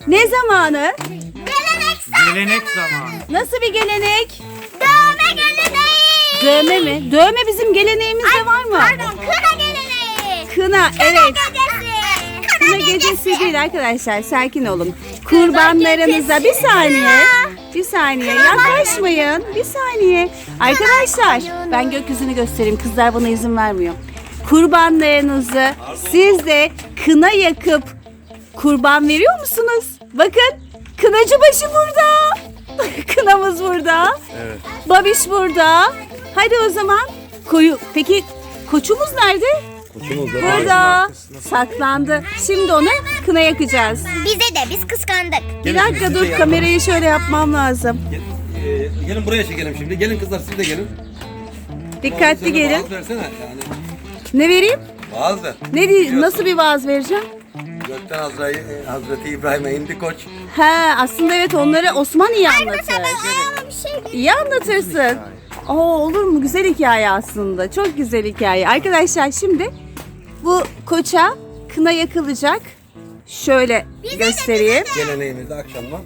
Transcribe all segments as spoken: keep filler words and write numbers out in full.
Ne zamanı? Gelenek zamanı. Gelenek zamanı. Nasıl bir gelenek? Dövme geleneği. Dövme mi? Dövme bizim geleneğimizde var mı? Pardon, kına geleneği. Kına, evet. Gecesi. Kına gecesi değil arkadaşlar, sakin olun. Kurbanlarınıza bir saniye, bir saniye yaklaşmayın, bir saniye. Arkadaşlar ben gökyüzünü göstereyim, kızlar bana izin vermiyor. Kurbanlarınızı siz de kına yakıp kurban veriyor musunuz? Bakın kınacıbaşı burada. Kınamız burada. Evet. Babiş burada. Hadi o zaman koyu. Peki koçumuz nerede? Koçumuz da Burada saklandı. Şimdi onu kına yakacağız. Bize de biz kıskandık. Bir Gelin, dakika siz de dur, yapın. kamerayı şöyle yapmam lazım. Gel, e, gelin buraya çekelim şimdi. Gelin kızlar siz de gelin. Dikkatli Sen de gelin. Vaaz versene yani. Ne vereyim? Vaaz ver. Ne di- nasıl bir vaaz vereceğim? Gökten Hazreti, Hazreti İbrahim'e indi koç. He, aslında evet, onları Osman iyi anlatır. Ayağıma bir şey İyi anlatırsın. Oo, olur mu? Güzel hikaye aslında. Çok güzel hikaye. Arkadaşlar şimdi bu koça kına yakılacak. Şöyle göstereyim. Geleneğimizde akşamdan.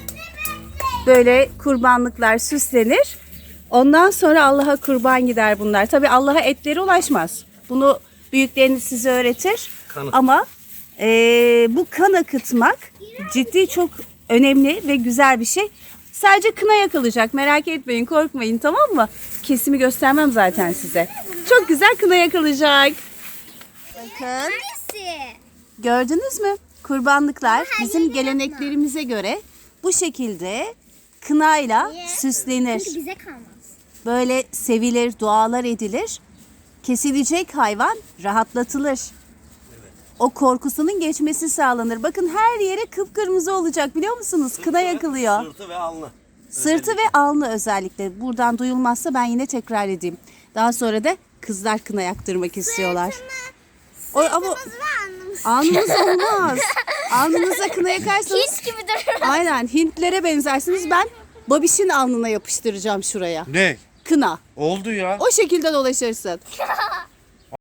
Böyle kurbanlıklar süslenir. Ondan sonra Allah'a kurban gider bunlar. Tabii Allah'a etleri ulaşmaz. Bunu büyükleriniz size öğretir. Kan- Ama eee, bu kan akıtmak ciddi çok önemli ve güzel bir şey. Sadece kına yakılacak. Merak etmeyin, korkmayın, tamam mı? Kesimi göstermem zaten size. Çok güzel kına yakılacak. Bakın. Hangisi? Gördünüz mü? Kurbanlıklar bizim geleneklerimize göre bu şekilde kınayla süslenir. Çünkü bize kalmaz. Böyle sevilir, dualar edilir. Kesilecek hayvan rahatlatılır. O korkusunun geçmesi sağlanır. Bakın her yere kıpkırmızı olacak, biliyor musunuz? Kına yakılıyor. Sırtı ve alnı. Sırtı ve alnı özellikle. Buradan duyulmazsa ben yine tekrar edeyim. Daha sonra da kızlar kına yaktırmak istiyorlar. O, ama alnınız olmaz. Alnınıza kına yakarsanız Hiç gibi durur. aynen Hintlere benzersiniz. Ben Babiş'in alnına yapıştıracağım şuraya. Ne? Kına. Oldu ya. O şekilde dolaşırsın.